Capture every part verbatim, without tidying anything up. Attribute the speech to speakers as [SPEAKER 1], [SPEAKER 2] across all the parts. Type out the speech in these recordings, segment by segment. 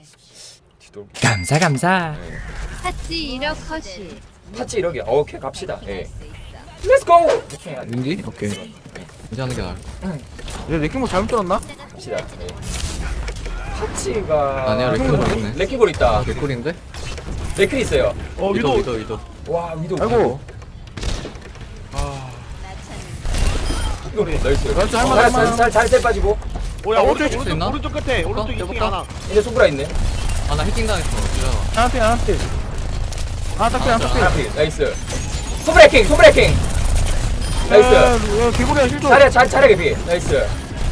[SPEAKER 1] 뒤돌기.
[SPEAKER 2] 감사 감사.
[SPEAKER 1] 네.
[SPEAKER 3] 핫지 일억 컷이.
[SPEAKER 1] 파츠 이러기. 어, 오케이 갑시다. 예. 렛츠 고.
[SPEAKER 4] 윈디? 오케이.
[SPEAKER 5] 이제 하는 게 나을 거.
[SPEAKER 4] 얘 레킹볼 잘못 들었나?
[SPEAKER 1] 갑시다. 예. 파츠가
[SPEAKER 5] 아니야, 레킹볼 있네.
[SPEAKER 1] 레킹볼 있다.
[SPEAKER 5] 개꿀인데?
[SPEAKER 1] 레클 있어요.
[SPEAKER 4] 어
[SPEAKER 5] 위도
[SPEAKER 4] 위도.
[SPEAKER 5] 위도 위도.
[SPEAKER 1] 와 위도.
[SPEAKER 4] 아이고.
[SPEAKER 1] 이거 나이스.
[SPEAKER 4] 나이스, 할만해, 할만해.
[SPEAKER 1] 살살살 빠지고.
[SPEAKER 6] 오야
[SPEAKER 5] 아,
[SPEAKER 6] 오른쪽
[SPEAKER 5] 수
[SPEAKER 6] 오른쪽
[SPEAKER 5] 있나?
[SPEAKER 6] 오른쪽 끝에 오른쪽 이 층
[SPEAKER 5] 해볼까?
[SPEAKER 6] 하나.
[SPEAKER 1] 이제 손브라 있네.
[SPEAKER 5] 아 나 해킹 당했어. 이러다.
[SPEAKER 4] 하나필 하나필. 하나 딱필 하나 딱필.
[SPEAKER 1] 하나피 나이스. 손브레킹 손브레킹. 나이스.
[SPEAKER 4] 야 개구리야 실조.
[SPEAKER 1] 자리야 자 자리야 개피. 나이스.
[SPEAKER 5] 에,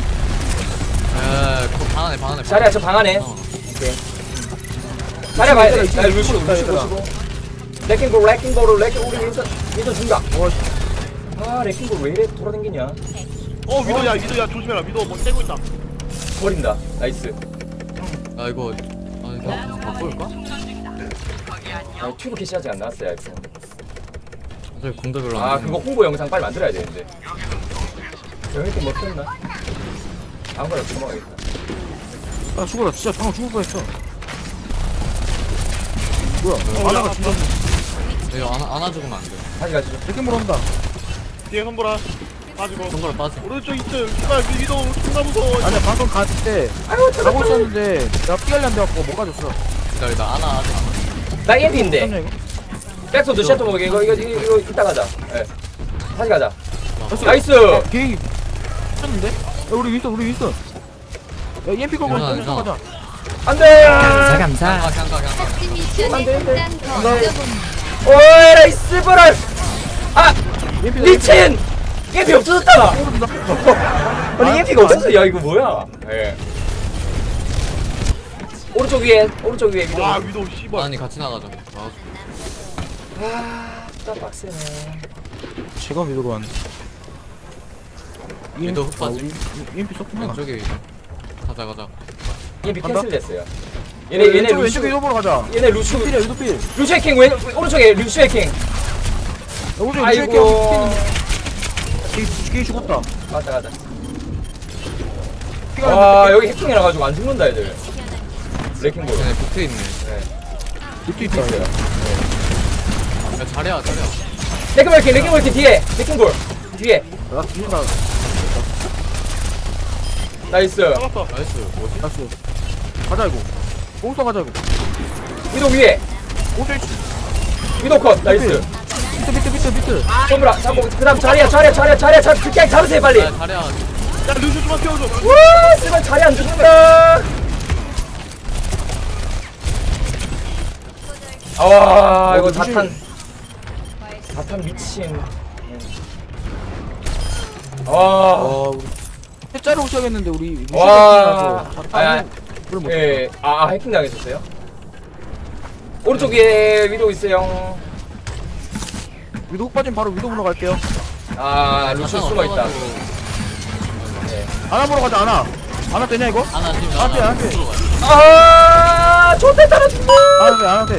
[SPEAKER 5] 그거 방 안에 방 안에.
[SPEAKER 1] 자리야 저 방 안에.
[SPEAKER 5] 어.
[SPEAKER 1] 오케이. 자리야 봐야 돼.
[SPEAKER 4] 있다,
[SPEAKER 1] 야
[SPEAKER 4] 있다,
[SPEAKER 1] 루시고
[SPEAKER 4] 있다,
[SPEAKER 1] 루시고
[SPEAKER 4] 있다.
[SPEAKER 1] 루시고. 레킹볼 레킹볼을 레킹 우리 윈선 윈선 중각.
[SPEAKER 4] 와,
[SPEAKER 1] 아 레킹볼 왜 이래 돌아다니냐.
[SPEAKER 6] 어 위도야 위도야 조심해라 위도 뭐 떼고 있다.
[SPEAKER 1] 버린다. 나이스.
[SPEAKER 5] 아 이거 아 이거 바꿀까?
[SPEAKER 1] 아, 튜브 캐시하지 안 나왔어요. 알겠어.
[SPEAKER 5] 어차피 공도 별로
[SPEAKER 1] 아
[SPEAKER 5] 안
[SPEAKER 1] 그거 홍보 영상 빨리 만들어야 되는데. 저 힐팅 먹혔나? 아무거나 주먹하겠다.
[SPEAKER 4] 아 죽어라 진짜 방금 죽을 뻔했어. 뭐야? 하나가 진짜
[SPEAKER 5] 이거 안 안아 죽으면 안 돼.
[SPEAKER 1] 다시 가시죠.
[SPEAKER 4] 레킹볼 온다.
[SPEAKER 6] 뒤에 선보라 빠지고.
[SPEAKER 5] 손가락 빠져.
[SPEAKER 6] 오른쪽 이 층 씨발 위도 존나 무서워.
[SPEAKER 4] 아니야 방금 갔을 때
[SPEAKER 1] 아이고
[SPEAKER 4] 가고 있었는데 내가 피하려 안 돼갖고 못 가졌어.
[SPEAKER 5] 기다려 나 안아 아직 안 와.
[SPEAKER 1] 나 이엠피인데.
[SPEAKER 4] 잠시만 이거.
[SPEAKER 1] 백소드 셔터 먹게 이거 이거 이거 이거 이따 가자. 예. 다시 가자.
[SPEAKER 4] 됐어.
[SPEAKER 1] 나이스.
[SPEAKER 4] 어, 개이 쳤는데? 야 우리 윈스턴 우리 윈스턴. 야 이엠피 걸고
[SPEAKER 5] 괜찮아,
[SPEAKER 4] 윈스턴 가자.
[SPEAKER 1] 안돼.
[SPEAKER 2] 감사 감사.
[SPEAKER 5] 아 그냥 가 그냥 가.
[SPEAKER 3] 핫지 미션에
[SPEAKER 1] 안 돼, 안 돼.
[SPEAKER 3] 한장 더
[SPEAKER 1] 안 돼.
[SPEAKER 3] 얻어봅니다.
[SPEAKER 1] 오이 나이스 버럴. 아
[SPEAKER 4] 이엠피
[SPEAKER 1] 미친. 이엠피 없어졌다. 아니 이엠피가 없었어. 야 이거 뭐야? 예. 오른쪽 위에 오른쪽 위에 위로.
[SPEAKER 6] 와 위도 씨발.
[SPEAKER 5] 아니 같이 나가자. 아,
[SPEAKER 1] 아, 진짜 빡세네.
[SPEAKER 4] 제가 위도로 왔네.
[SPEAKER 5] 위도 훅 빠지.
[SPEAKER 4] 이엠피 썼구나.
[SPEAKER 5] 왼쪽에 위도. 가자 가자.
[SPEAKER 1] 이엠피
[SPEAKER 4] 간다?
[SPEAKER 1] 캔슬됐어요. 얘네 얘네
[SPEAKER 4] 왼쪽
[SPEAKER 1] 루슈
[SPEAKER 4] 왼쪽에 위도 보러 가자.
[SPEAKER 1] 얘네 루슈
[SPEAKER 4] 필이야 위도 필.
[SPEAKER 1] 루슈 해킹 왼 오른쪽에 루슈 해킹.
[SPEAKER 4] 오른쪽 왼쪽에
[SPEAKER 1] 아이고.
[SPEAKER 4] 개이 개이 죽었다.
[SPEAKER 1] 맞다 맞다.
[SPEAKER 4] 피가
[SPEAKER 1] 와 여기 해킹이라 가지고 안 죽는다 애들. 레킹볼.
[SPEAKER 5] 쟤네 붙어 있네.
[SPEAKER 1] 네.
[SPEAKER 4] 밑에 있다.
[SPEAKER 1] 있어요.
[SPEAKER 5] 야 잘해야 잘해야.
[SPEAKER 1] 레킹볼 해킹 레킹볼 해킹 뒤에 레킹볼 뒤에.
[SPEAKER 4] 나 뒤진다.
[SPEAKER 1] 나이스.
[SPEAKER 6] 잡았어.
[SPEAKER 5] 나이스. 뭐지?
[SPEAKER 4] 나이스. 가자 이거. 뽕써 가자 이거.
[SPEAKER 1] 위도 위에.
[SPEAKER 4] 오른쪽
[SPEAKER 1] 위도 컷. 나이스.
[SPEAKER 4] 밑에 밑에 밑에 밑에.
[SPEAKER 1] 손브라 잡고 그다음 자리야 자리야 자리야 자리야 잡 그냥 잡으세요 빨리.
[SPEAKER 5] 야 잘해야.
[SPEAKER 6] 야 루시 좀만 태워줘.
[SPEAKER 1] 와 씨발 자리 안 죽는다. 아 이거
[SPEAKER 4] 어, 루시.
[SPEAKER 1] 다탄 다탄 미친. 와.
[SPEAKER 4] 어 우리 해자로 오셔야겠는데 우리
[SPEAKER 1] 와. 아, 아,
[SPEAKER 4] 그럼 뭐?
[SPEAKER 1] 예, 아, 아 해킹 당했었어요? 오른쪽 위에 위도 있어요.
[SPEAKER 4] 위도 훅 빠지면 바로 위도 보러 갈게요.
[SPEAKER 1] 아, 루시 숨어 있다. 네.
[SPEAKER 4] 아나 보러 가자 아나. 아나 되냐 이거?
[SPEAKER 5] 안아 지금
[SPEAKER 4] 안 돼, 안 돼.
[SPEAKER 5] 들어가.
[SPEAKER 1] 아, 좋대 떨어진다.
[SPEAKER 4] 아나 돼 아나 돼.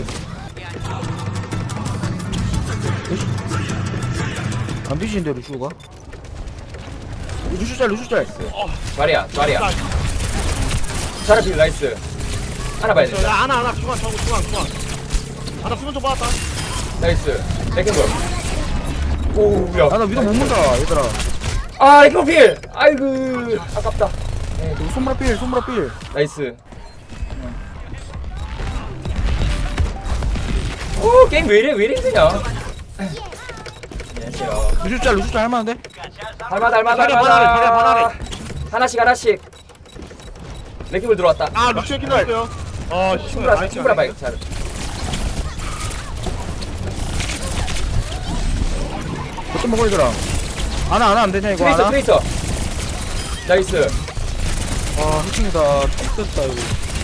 [SPEAKER 4] 안 뒤지는데 루슈가? 루슈 짤 루슈 짤.
[SPEAKER 1] 자리야, 자리야. 자라필 나이스. 하나 봐야
[SPEAKER 6] 야
[SPEAKER 1] 된다.
[SPEAKER 6] 하나 하나 중앙 중앙 중앙 중앙. 하나 수면 좀 받았다.
[SPEAKER 1] 나이스. 레킹볼. 오, 야.
[SPEAKER 4] 아나 위도 못 문다 얘들아.
[SPEAKER 1] 아, 레킹볼 필. 아이고, 아깝다. 네,
[SPEAKER 4] 이거 손무라 필 손무라 필.
[SPEAKER 1] 나이스. 오, 게임 왜 이래, 왜 이래 힘드냐. 안녕하세요.
[SPEAKER 4] 루슈 짤 루슈 짤 할만한데?
[SPEAKER 1] 달마다 달마다
[SPEAKER 6] 자리야, 반하래, 자리야, 반하래.
[SPEAKER 1] 하나씩 하나씩. 레킹볼 들어왔다.
[SPEAKER 6] 아 루시 해킹 나왔어요. 아
[SPEAKER 1] 친구라 친구라 봐야 잘.
[SPEAKER 4] 어떤 먹어 얘들아. 아나 아나 안 되냐 이거
[SPEAKER 1] 트레이서
[SPEAKER 4] 아나?
[SPEAKER 1] 트레이서. 나이스.
[SPEAKER 4] 아 해킹이다. 죽겠다 이거.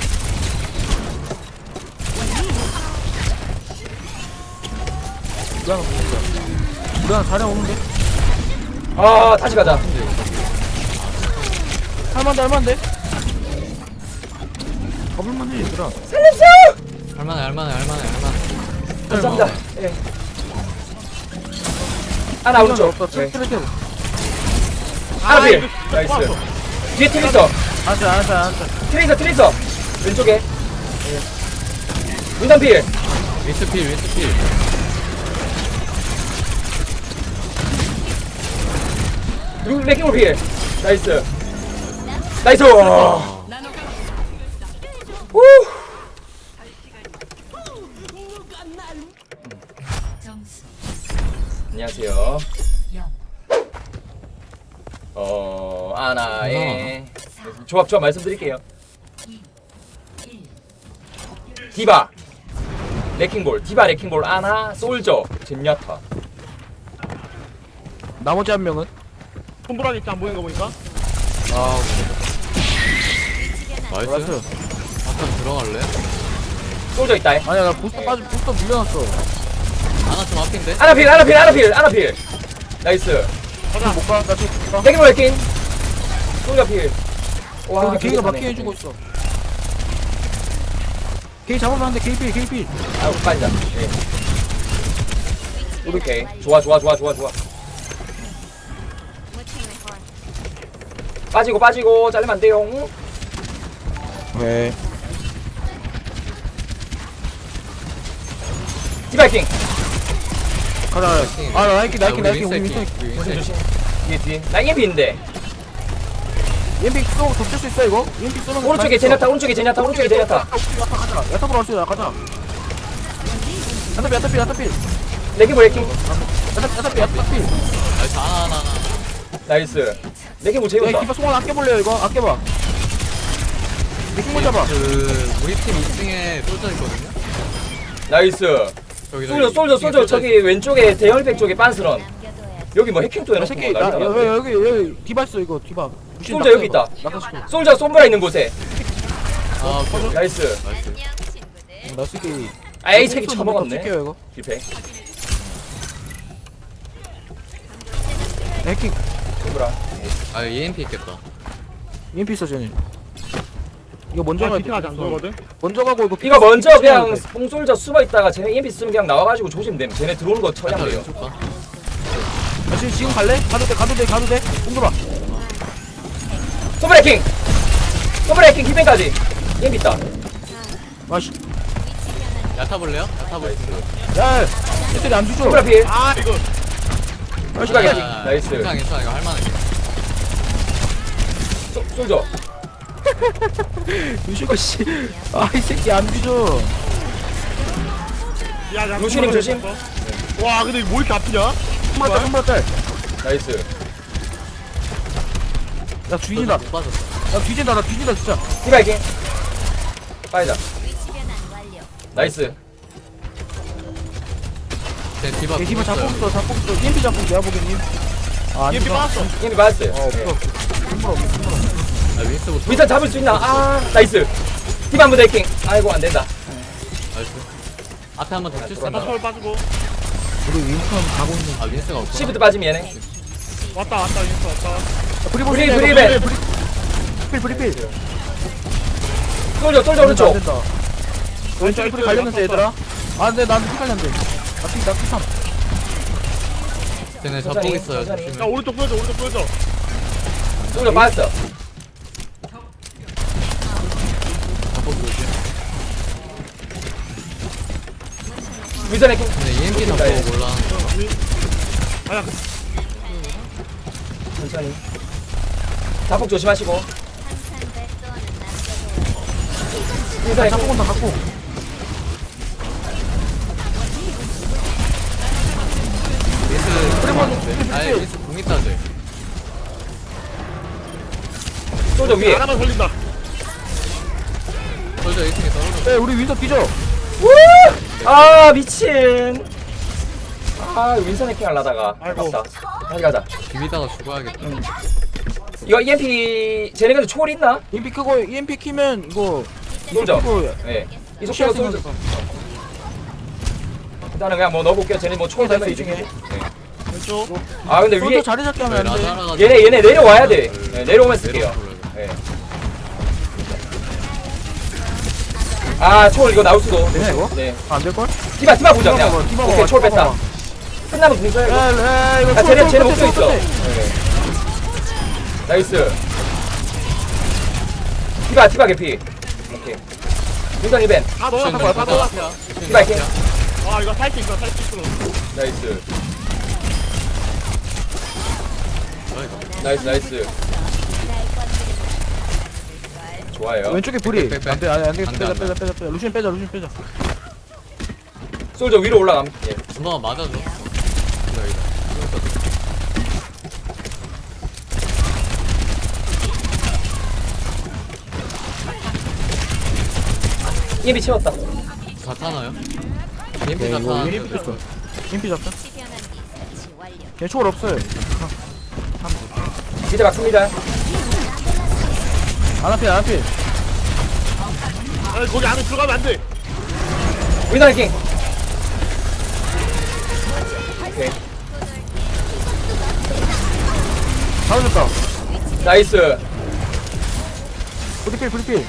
[SPEAKER 4] 우리 하나 보는다. 우리 하나 자리 오는데?
[SPEAKER 1] 아 다시 가자.
[SPEAKER 4] 할만한데 할만한데? 가볼만해 얘들아.
[SPEAKER 1] 살려주세요.
[SPEAKER 5] 할만해 할만해 할만해 할만해.
[SPEAKER 1] 감사합니다. 예. 하나 오른쪽.
[SPEAKER 4] 없다.
[SPEAKER 1] 네.
[SPEAKER 4] 트레 트레.
[SPEAKER 1] 하나
[SPEAKER 6] 아,
[SPEAKER 1] 필.
[SPEAKER 6] 이거 진짜
[SPEAKER 1] 나이스.
[SPEAKER 6] 좋았어.
[SPEAKER 1] 뒤에 트레이서.
[SPEAKER 4] 안돼 안돼 안돼.
[SPEAKER 1] 트레이서 트레이서. 왼쪽에. 윈선 필.
[SPEAKER 5] 윈스필 윈스필.
[SPEAKER 1] 그리고 레킹볼 필. 나이스. 나이스.
[SPEAKER 5] 아,
[SPEAKER 1] 후.
[SPEAKER 3] 점수
[SPEAKER 1] 안녕하세요.
[SPEAKER 3] 영.
[SPEAKER 1] 어 아나의 조합 조합 말씀드릴게요. 디바 레킹볼, 디바 레킹볼, 아나, 솔저, 젠야타.
[SPEAKER 4] 나머지 한 명은?
[SPEAKER 6] 손보라기 있지 안 보이는 거 보니까.
[SPEAKER 4] 아
[SPEAKER 5] 나이스.
[SPEAKER 4] 나이스.
[SPEAKER 5] 아까 들어갈래?
[SPEAKER 1] 솔저 있다.
[SPEAKER 4] 아니야 나 부스터 빠지 부스터 물려놨어.
[SPEAKER 5] 하나 좀 앞인데?
[SPEAKER 1] 아나 필, 아나 필, 아나 필, 아나 필. 나이스.
[SPEAKER 6] 가자.
[SPEAKER 4] 못 가. 나 지금 못 가.
[SPEAKER 1] 레킹볼 레킹. 솔저 필. 와,
[SPEAKER 4] 우리 게이가
[SPEAKER 1] 저기
[SPEAKER 4] 마킹
[SPEAKER 1] 가네.
[SPEAKER 4] 해주고 있어. 게이 잡으면 안 돼. 게이 필 게이 필.
[SPEAKER 1] 아, 빠진다. 예. 오케이. 좋아, 좋아, 좋아, 좋아, 좋아. 빠지고, 빠지고, 잘리면 안 돼요.
[SPEAKER 4] 네.
[SPEAKER 1] 디바이킹.
[SPEAKER 4] 가자. 아 나이키 나이키
[SPEAKER 5] 우리
[SPEAKER 4] 나이키 우리
[SPEAKER 5] 윈스필,
[SPEAKER 4] 윈스터.
[SPEAKER 5] 우리
[SPEAKER 1] 조심,
[SPEAKER 5] 윈스필.
[SPEAKER 1] 조심. 뒤에, 뒤에. 나 이엠피 있는데.
[SPEAKER 4] 이엠피 쏘고 덮칠 수 있어 이거? 이엠피 쏘는 거
[SPEAKER 1] 오른쪽에 제냐타, 오른쪽에 제냐타, 오른쪽에 제냐타.
[SPEAKER 4] 가자. 야타보로 할수 있어. 가자. 야타필 야타필 야타필.
[SPEAKER 1] 레킹볼 레킹.
[SPEAKER 4] 야타 야타필 야타필.
[SPEAKER 5] 나이스 하나 하나 하나.
[SPEAKER 1] 나이스. 레킹볼
[SPEAKER 4] 야
[SPEAKER 1] 재운다.
[SPEAKER 4] 기파 송환 아껴볼래요 이거? 아껴봐. 느낌 잡아.
[SPEAKER 5] 그 우리 팀 이 층에 솔져 있거든요.
[SPEAKER 1] 나이스.
[SPEAKER 5] 저기
[SPEAKER 1] 솔저, 솔저, 솔저. 저기 왼쪽에 대열백 쪽에 빤스런. 여기 뭐 해킹도
[SPEAKER 4] 야
[SPEAKER 1] 해놓고
[SPEAKER 4] 새끼
[SPEAKER 1] 뭐
[SPEAKER 4] 나
[SPEAKER 1] 난리다
[SPEAKER 4] 여기
[SPEAKER 1] 났네.
[SPEAKER 4] 여기 여기 디바 있어 이거 디바. 무신
[SPEAKER 1] 솔저
[SPEAKER 4] 낙서
[SPEAKER 1] 여기
[SPEAKER 4] 이거.
[SPEAKER 1] 있다.
[SPEAKER 4] 낙서시켜.
[SPEAKER 1] 솔저 솜브라 있는 곳에.
[SPEAKER 5] 아 오케이.
[SPEAKER 1] 나이스.
[SPEAKER 5] 나이스.
[SPEAKER 4] 나 새끼.
[SPEAKER 1] 아, 이 새끼 처먹었네.
[SPEAKER 4] 요 이거.
[SPEAKER 1] 실패.
[SPEAKER 4] 해킹.
[SPEAKER 1] 솜브라.
[SPEAKER 5] 아 이엠피 있겠다.
[SPEAKER 4] 이엠피 있어 쟤네. 이거 먼저
[SPEAKER 6] 아,
[SPEAKER 4] 가야
[SPEAKER 6] 비트가 안 돌거든.
[SPEAKER 4] 먼저 가고 이거.
[SPEAKER 1] 이거 먼저
[SPEAKER 4] 비트
[SPEAKER 1] 그냥
[SPEAKER 4] 치면 돼.
[SPEAKER 1] 뽕솔저 숨어 있다가 쟤네 이엠피 쓰면 그냥 나와가지고 조심됨. 쟤네 들어오는 거
[SPEAKER 5] 야타
[SPEAKER 1] 처리하면 돼요.
[SPEAKER 5] 왼쪽 가.
[SPEAKER 4] 야, 지금 지금 갈래? 가도 돼 가도 돼 가도 돼. 공들어.
[SPEAKER 1] 솜브라 해킹. 솜브라 해킹 힐뱅까지. 이엠피 있다.
[SPEAKER 4] 아씨.
[SPEAKER 5] 야타 볼래요? 야타 볼.
[SPEAKER 4] 야. 애들이 안 주죠.
[SPEAKER 1] 솜브라 필.
[SPEAKER 6] 아 이거.
[SPEAKER 4] 아씨
[SPEAKER 1] 추가
[SPEAKER 4] 야.
[SPEAKER 1] 해킹. 나이스.
[SPEAKER 5] 괜찮아 괜찮아 이거 할만해.
[SPEAKER 1] 소- 솔저.
[SPEAKER 4] 유시가 씨. 아이 새끼 안 주죠.
[SPEAKER 6] 야, 야,
[SPEAKER 1] 루시님
[SPEAKER 6] 손보라기
[SPEAKER 1] 조심.
[SPEAKER 6] 있었어. 와 근데 이거 뭐 이렇게 아프냐?
[SPEAKER 4] 손바닥 손바닥 딸.
[SPEAKER 1] 나이스.
[SPEAKER 4] 나 뒤진다.
[SPEAKER 5] 못 빠졌어.
[SPEAKER 4] 나 뒤진다 나 뒤진다 진짜.
[SPEAKER 1] 디바 해킹. 빠이다. 나이스.
[SPEAKER 5] 제 디바.
[SPEAKER 4] 내 집에 잡고 있어 잡고 있어. 이엠피 잡고 내가 보기엔. 아
[SPEAKER 6] 이엠피
[SPEAKER 4] 아니다.
[SPEAKER 6] 빠졌어.
[SPEAKER 1] 이엠피 맞았어요.
[SPEAKER 4] 어
[SPEAKER 1] 네.
[SPEAKER 4] 없어. 손바닥 없어 손바닥.
[SPEAKER 5] 아 윈스부터.
[SPEAKER 1] 위선 잡을 수 있나? 아, 나이스. 디바 한번 해킹. 아이고, 안 된다.
[SPEAKER 5] 나이스. 앞에 한번 더 칠수
[SPEAKER 6] 나
[SPEAKER 5] 있나?
[SPEAKER 6] 서울 빠지고.
[SPEAKER 4] 우리 윈턴 가고 있는.
[SPEAKER 5] 아 윈스가 없구나.
[SPEAKER 1] 시프트 빠지면 얘네.
[SPEAKER 6] 왔다 왔다 인스 왔다.
[SPEAKER 4] 브리
[SPEAKER 1] 브리, 브리벤.
[SPEAKER 4] 브리 브리 브리.
[SPEAKER 1] 솔저, 솔저 오른쪽.
[SPEAKER 4] 왼쪽에 불이 갈렸는데 얘들아. 아 근데 나한테 피 갈렸는데. 나피나 피삼.
[SPEAKER 5] 쟤네
[SPEAKER 1] 천천히,
[SPEAKER 5] 잡고 있어요.
[SPEAKER 1] 천천히.
[SPEAKER 6] 야
[SPEAKER 5] 조심해.
[SPEAKER 6] 오른쪽 보여줘 오른쪽 보여줘.
[SPEAKER 1] 솔저 빠졌어.
[SPEAKER 5] 잡고 조심.
[SPEAKER 1] 위선 해킹.
[SPEAKER 5] 근데 이엠피 잡고
[SPEAKER 1] 나이스.
[SPEAKER 5] 몰라.
[SPEAKER 6] 아야
[SPEAKER 1] 천천히. 자폭 조심하시고. 위선 해킹.
[SPEAKER 4] 잡고 다 갖고.
[SPEAKER 5] 윈스. 아예 윈스 공 있다 쟤.
[SPEAKER 1] 솔저 위에.
[SPEAKER 6] 하나만 걸린다.
[SPEAKER 5] 솔저 일 층에 떨어져.
[SPEAKER 4] 야 우리 윈터 뛰죠.
[SPEAKER 1] 우! 아, 미친. 아, 윈선 해킹 하려다가.
[SPEAKER 6] 아이고.
[SPEAKER 1] 아깝다. 다시 가자.
[SPEAKER 5] 비비다가 죽어야겠다.
[SPEAKER 1] 이거 이엠피, 쟤네 근데 초월 있나?
[SPEAKER 4] 이엠피 끄고 이엠피 키면 이거.
[SPEAKER 1] 솔저.
[SPEAKER 4] 끄고
[SPEAKER 1] 네. 이
[SPEAKER 4] 피할
[SPEAKER 1] 속도로 솔저.
[SPEAKER 4] 생각해서.
[SPEAKER 1] 일단은 그냥 뭐 넣어볼게요. 쟤네 뭐 초월 되면
[SPEAKER 4] 네,
[SPEAKER 1] 이중에. 네.
[SPEAKER 6] 왼쪽.
[SPEAKER 1] 아, 근데
[SPEAKER 4] 솔저
[SPEAKER 1] 위에.
[SPEAKER 4] 자리 잡기 하면 안 돼.
[SPEAKER 5] 라자라가.
[SPEAKER 1] 얘네, 얘네 내려와야 돼. 네, 내려오면 쓸게요. 네. 아, 초월 이거 나올 수도.
[SPEAKER 4] 되냐 이거?
[SPEAKER 1] 네.
[SPEAKER 4] 아, 안 될걸?
[SPEAKER 1] 디바, 디바 보자, 그냥.
[SPEAKER 4] 디바 봐봐,
[SPEAKER 1] 오케이,
[SPEAKER 4] 디바
[SPEAKER 1] 초월 뺐다.
[SPEAKER 4] 봐봐.
[SPEAKER 1] 끝나면 공쳐야
[SPEAKER 4] 야,
[SPEAKER 1] 돼.
[SPEAKER 4] 야, 이거
[SPEAKER 1] 아, 쟤네,
[SPEAKER 4] 초월,
[SPEAKER 1] 쟤네
[SPEAKER 4] 초월,
[SPEAKER 1] 목표 있어.
[SPEAKER 4] 초월,
[SPEAKER 1] 네. 나이스. 디바, 디바 개피. 오케이. 윈선 힐벤.
[SPEAKER 6] 다 넣어놨어 거야 다 넣어놨어.
[SPEAKER 1] 디바이킹.
[SPEAKER 6] 아 이거 살수 있어 살수 있어.
[SPEAKER 1] 나이스.
[SPEAKER 5] 아이고.
[SPEAKER 1] 나이스 나이스. 좋아요.
[SPEAKER 4] 왼쪽에 불이.
[SPEAKER 5] 빼, 빼, 빼.
[SPEAKER 4] 안돼 안돼 안돼
[SPEAKER 5] 안 돼,
[SPEAKER 4] 빼자
[SPEAKER 5] 안 돼.
[SPEAKER 4] 빼자 빼자 빼자. 루시안 빼자 루시안 빼자.
[SPEAKER 1] 솔저 위로 올라감. 예.
[SPEAKER 5] 한번 맞아줘. 기다 기다.
[SPEAKER 1] 이엠피 채웠다.
[SPEAKER 5] 다 타나요?
[SPEAKER 4] 네,
[SPEAKER 5] EMP 다
[SPEAKER 4] 이거
[SPEAKER 5] 타는데.
[SPEAKER 4] EMP 뺐어. EMP 잡자. 걔 초월 없어요.
[SPEAKER 1] 밑에 막습니다.
[SPEAKER 4] 안 앞에 안 앞에.
[SPEAKER 6] 아 거기 안에 들어가면 안 돼.
[SPEAKER 1] 윈선 해킹. 오케이.
[SPEAKER 4] 잡아줬다.
[SPEAKER 1] 나이스.
[SPEAKER 4] 브리필 브리필.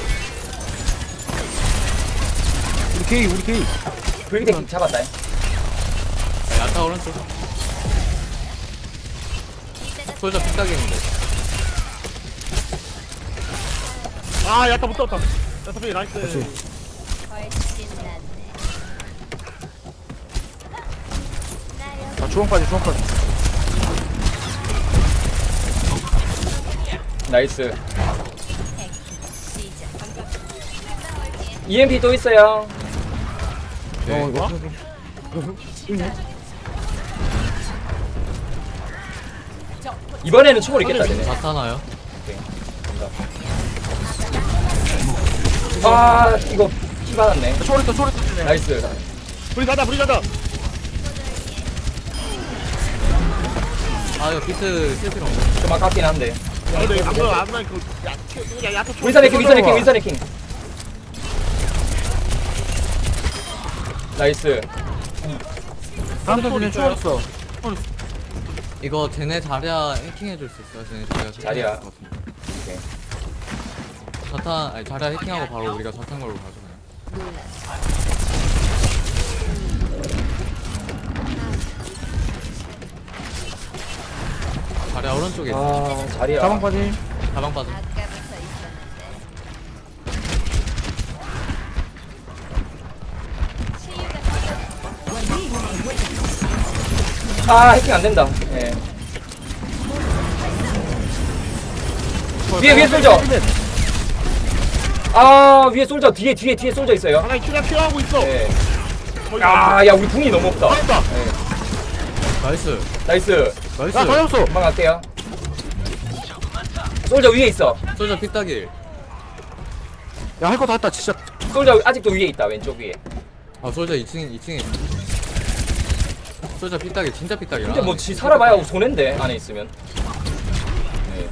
[SPEAKER 4] 우리 게이 우리 게이.
[SPEAKER 1] 불기대 잡았다.
[SPEAKER 5] 야타 오른쪽. 솔저 핏딱이는데.
[SPEAKER 6] 아 야타 못 잡았다. 야타 필 나이스.
[SPEAKER 4] 아 주황까지 주황까지.
[SPEAKER 1] 나이스. 이엠피 또 있어요.
[SPEAKER 4] 어 이거.
[SPEAKER 1] 이번에는 초월 있겠다 되네.
[SPEAKER 5] 다 타나요?
[SPEAKER 1] 아 이거 피 받았네.
[SPEAKER 4] 초월 있다 초월 있다.
[SPEAKER 1] 나이스.
[SPEAKER 6] 불이 가자 불이 가자.
[SPEAKER 5] 아 이거 비트 쓸 필요 없네.
[SPEAKER 1] 좀 아깝긴 한데.
[SPEAKER 6] 아 근데 방금 안나 그 야, 야 야타 초-
[SPEAKER 1] 윈선 해킹 윈선 해킹 윈선 해킹. 나이스.
[SPEAKER 4] 다음 턴에 초월 있어.
[SPEAKER 5] 이거 쟤네 자리야 해킹 해줄 수 있어요? 쟤네 자리야
[SPEAKER 1] 자리야.
[SPEAKER 5] 해킹할 것 같은데.
[SPEAKER 1] 오케이.
[SPEAKER 5] 자탄 아니 자리야 해킹하고 바로 우리가 자탄 걸로 가죠. 자리야 오른쪽에 있어.
[SPEAKER 1] 아 자리야.
[SPEAKER 4] 가방까지.
[SPEAKER 5] 가방 빠져.
[SPEAKER 1] 아 해킹 안 된다. 예. 위에 위에 솔져. 아 위에 솔져 뒤에 뒤에 뒤에 솔져 있어요.
[SPEAKER 6] 하나 키가 키하고 있어.
[SPEAKER 1] 예.
[SPEAKER 6] 거기
[SPEAKER 1] 아야 우리 궁이 너무 없다.
[SPEAKER 6] 맞다.
[SPEAKER 1] 예.
[SPEAKER 5] 나이스.
[SPEAKER 1] 나이스.
[SPEAKER 5] 나이스.
[SPEAKER 4] 야 다녔어.
[SPEAKER 1] 금방 갈게요. 솔져 위에 있어.
[SPEAKER 5] 솔저 핏딱이.
[SPEAKER 4] 야할 거 다 했다 진짜.
[SPEAKER 1] 솔져 아직도 위에 있다 왼쪽 위에.
[SPEAKER 5] 아 솔저 이 층 이 층에 있어. 솔저 핏딱이 진짜 핏딱이야.
[SPEAKER 1] 근데 뭐 지 살아봐야 손해인데 안에 있으면. 네.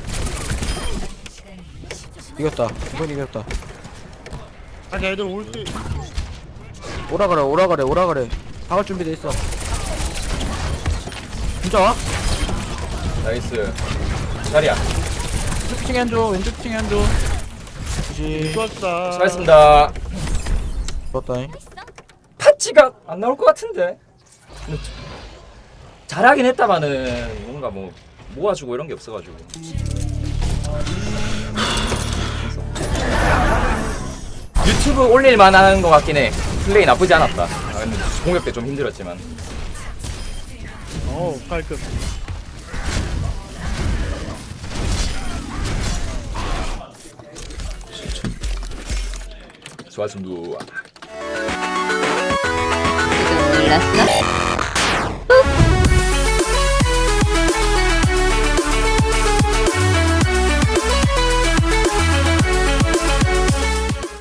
[SPEAKER 4] 이겼다. 이건 이겼다.
[SPEAKER 6] 아니 애들 올 때.
[SPEAKER 4] 오라 그래 오라 그래 오라 그래. 박을 준비돼 있어. 진짜 와?
[SPEAKER 1] 나이스. 자리야.
[SPEAKER 4] 왼쪽 층에 앉아 왼쪽 층에 앉아. 그지.
[SPEAKER 6] 좋았다.
[SPEAKER 1] 수고하셨습니다.
[SPEAKER 4] 좋았다잉.
[SPEAKER 1] 파치가 안 나올 것 같은데. 근데 잘하긴 했다마는 뭔가 뭐 모아주고 이런 게 없어가지고. 유튜브 올릴 만한 것 같긴 해. 플레이 나쁘지 않았다. 아, 근데 공격 때 좀 힘들었지만.
[SPEAKER 6] 어 깔끔.
[SPEAKER 1] 수고하셨습니다.
[SPEAKER 3] 지금 놀랐어?